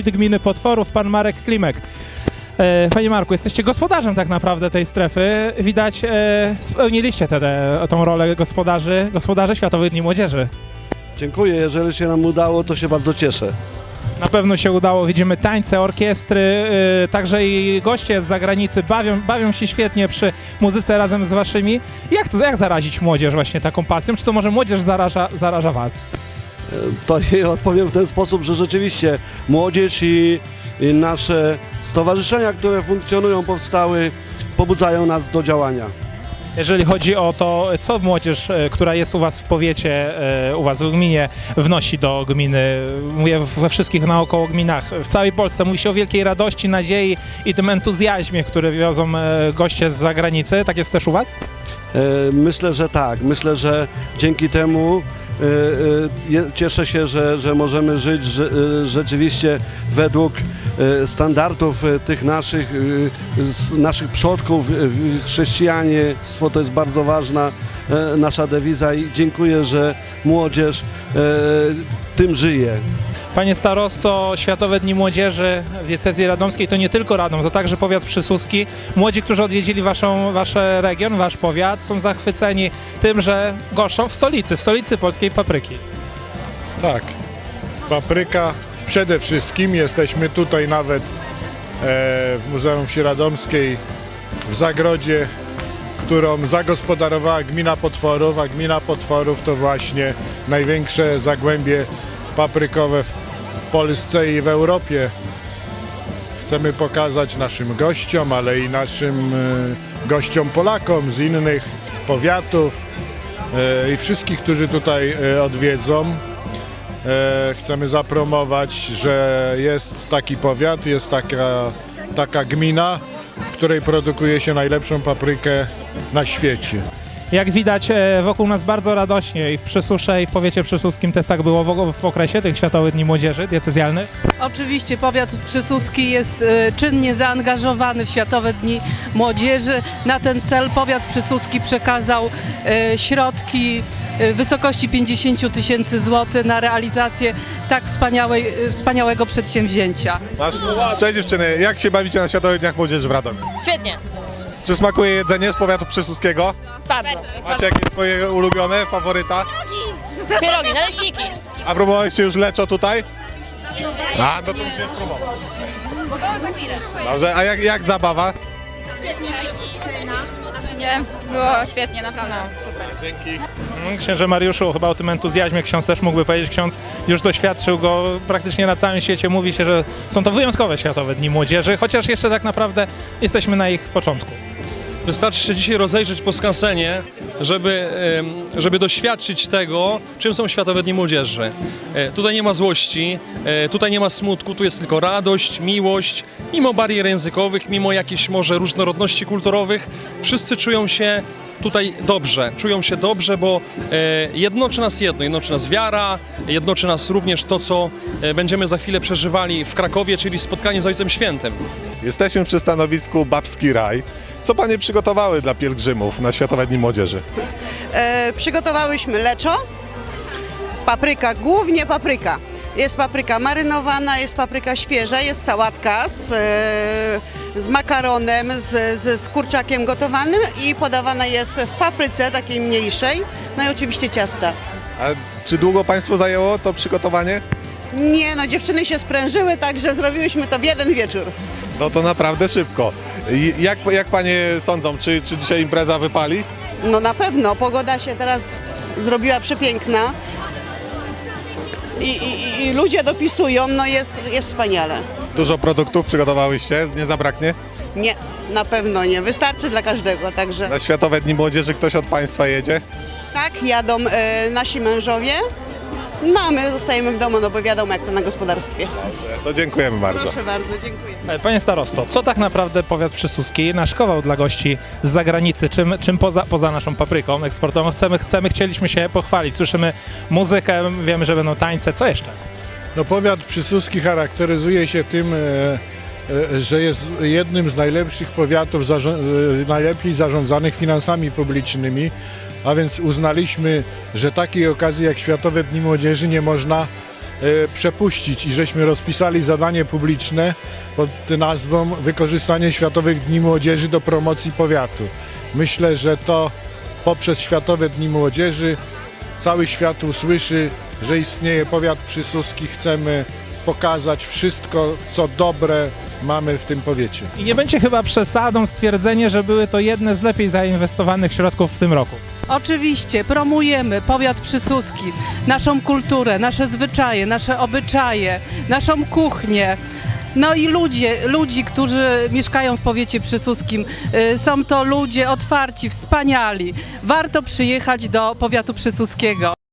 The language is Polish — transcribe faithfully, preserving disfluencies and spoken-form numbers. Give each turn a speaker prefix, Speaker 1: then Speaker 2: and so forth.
Speaker 1: wójt gminy Potworów, pan Marek Klimek. Panie Marku, jesteście gospodarzem tak naprawdę tej strefy. Widać, spełniliście tę tą rolę gospodarzy, gospodarzy Światowych Dni Młodzieży.
Speaker 2: Dziękuję, jeżeli się nam udało, to się bardzo cieszę.
Speaker 1: Na pewno się udało, widzimy tańce, orkiestry, yy, także i goście z zagranicy bawią, bawią się świetnie przy muzyce razem z waszymi. Jak to, jak zarazić młodzież właśnie taką pasją? Czy to może młodzież zaraża, zaraża was?
Speaker 2: To jej odpowiem w ten sposób, że rzeczywiście młodzież i, i nasze stowarzyszenia, które funkcjonują, powstały, pobudzają nas do działania.
Speaker 1: Jeżeli chodzi o to, co młodzież, e, która jest u was w powiecie, e, u was w gminie, wnosi do gminy, mówię we wszystkich naokoło gminach, w całej Polsce, mówi się o wielkiej radości, nadziei i tym entuzjazmie, który wiozą e, goście z zagranicy. Tak jest też u was?
Speaker 2: E, Myślę, że tak. Myślę, że dzięki temu e, e, je- cieszę się, że, że możemy żyć że, e, rzeczywiście według e, standardów e, tych naszych, e, s- naszych przodków. E, Chrześcijaństwo to jest bardzo ważna e, nasza dewiza i dziękuję, że młodzież e, tym żyje.
Speaker 1: Panie starosto, Światowe Dni Młodzieży w diecezji radomskiej to nie tylko Radom, to także powiat przysuski. Młodzi, którzy odwiedzili waszą, wasz region, wasz powiat, są zachwyceni tym, że goszczą w stolicy, w stolicy polskiej papryki.
Speaker 3: Tak, papryka przede wszystkim. Jesteśmy tutaj nawet e, w Muzeum Wsi Radomskiej w zagrodzie, którą zagospodarowała gmina Potworów, a gmina Potworów to właśnie największe zagłębie paprykowe w Polsce i w Europie. Chcemy pokazać naszym gościom, ale i naszym e, gościom Polakom z innych powiatów e, i wszystkich, którzy tutaj e, odwiedzą. E, chcemy zapromować, że jest taki powiat, jest taka, taka gmina, w której produkuje się najlepszą paprykę na świecie.
Speaker 1: Jak widać, e, wokół nas bardzo radośnie i w Przysusze, i w powiecie przysuskim też tak było w, w okresie tych Światowych Dni Młodzieży diecezjalnych.
Speaker 4: Oczywiście powiat przysuski jest e, czynnie zaangażowany w Światowe Dni Młodzieży. Na ten cel powiat przysuski przekazał e, środki e, w wysokości pięćdziesiąt tysięcy złotych na realizację tak wspaniałej, e, wspaniałego przedsięwzięcia.
Speaker 5: Masz? Cześć dziewczyny, jak się bawicie na Światowych Dniach Młodzieży w Radomiu?
Speaker 6: Świetnie,
Speaker 5: Czy smakuje jedzenie z powiatu przysuskiego?
Speaker 6: bardzo.
Speaker 5: Macie jakieś swoje ulubione, faworyta?
Speaker 6: Pierogi, naleśniki.
Speaker 5: A próbowaliście już leczo tutaj? A, no to musimy spróbować. Dobrze, a jak, jak zabawa?
Speaker 6: Nie, było świetnie, naprawdę.
Speaker 5: Dzięki.
Speaker 1: Mm, Księże Mariuszu, chyba o tym entuzjazmie ksiądz też mógłby powiedzieć. Ksiądz już doświadczył go praktycznie na całym świecie. Mówi się, że są to wyjątkowe Światowe Dni Młodzieży, chociaż jeszcze tak naprawdę jesteśmy na ich początku.
Speaker 7: Wystarczy się dzisiaj rozejrzeć po skansenie, żeby, em, żeby doświadczyć tego, czym są Światowe Dni Młodzieży. E, Tutaj nie ma złości, e, tutaj nie ma smutku, tu jest tylko radość, miłość, mimo barier językowych, mimo jakichś może różnorodności kulturowych. Wszyscy czują się tutaj dobrze, czują się dobrze, bo e, jednoczy nas jedno, jednoczy nas wiara, jednoczy nas również to, co e, będziemy za chwilę przeżywali w Krakowie, czyli spotkanie z Ojcem Świętym.
Speaker 5: Jesteśmy przy stanowisku Babski Raj. Co panie przygotowały dla pielgrzymów na Światowe Dni Młodzieży?
Speaker 8: E, przygotowałyśmy leczo, papryka, głównie papryka. Jest papryka marynowana, jest papryka świeża, jest sałatka z, e, z makaronem, z, z, z kurczakiem gotowanym i podawana jest w papryce takiej mniejszej, no i oczywiście ciasta.
Speaker 5: A czy długo państwu zajęło to przygotowanie?
Speaker 8: Nie no, dziewczyny się sprężyły, także zrobiłyśmy to w jeden wieczór.
Speaker 5: No to naprawdę szybko. I Jak, jak panie sądzą, czy, czy dzisiaj impreza wypali?
Speaker 8: No na pewno, pogoda się teraz zrobiła przepiękna i, i, i ludzie dopisują, no jest, jest wspaniale.
Speaker 5: Dużo produktów przygotowałyście, nie zabraknie?
Speaker 8: Nie, na pewno nie. Wystarczy dla każdego, także
Speaker 5: Na Światowe Dni Młodzieży ktoś od państwa jedzie?
Speaker 8: tak, jadą e, nasi mężowie, no a my zostajemy w domu, no bo wiadomo jak to na gospodarstwie.
Speaker 5: Dobrze, to dziękujemy bardzo.
Speaker 8: Proszę bardzo, dziękuję.
Speaker 1: E, Panie starosto, co tak naprawdę powiat przysuski naszkował dla gości z zagranicy? Czym, czym poza, poza naszą papryką eksportową chcemy, chcemy, chcieliśmy się pochwalić? Słyszymy muzykę, wiemy, że będą tańce, co jeszcze?
Speaker 3: No powiat przysuski charakteryzuje się tym, e, e, że jest jednym z najlepszych powiatów, zarzo- e, najlepiej zarządzanych finansami publicznymi, a więc uznaliśmy, że takiej okazji jak Światowe Dni Młodzieży nie można przepuścić i żeśmy rozpisali zadanie publiczne pod nazwą Wykorzystanie Światowych Dni Młodzieży do promocji powiatu. Myślę, że to poprzez Światowe Dni Młodzieży cały świat usłyszy, że istnieje powiat przysuski. Chcemy pokazać wszystko, co dobre mamy w tym powiecie.
Speaker 1: I nie będzie chyba przesadą stwierdzenie, że były to jedne z lepiej zainwestowanych środków w tym roku.
Speaker 4: Oczywiście promujemy powiat przysuski, naszą kulturę, nasze zwyczaje, nasze obyczaje, naszą kuchnię. No i ludzie, ludzi, którzy mieszkają w powiecie przysuskim. Y, Są to ludzie otwarci, wspaniali. Warto przyjechać do powiatu przysuskiego.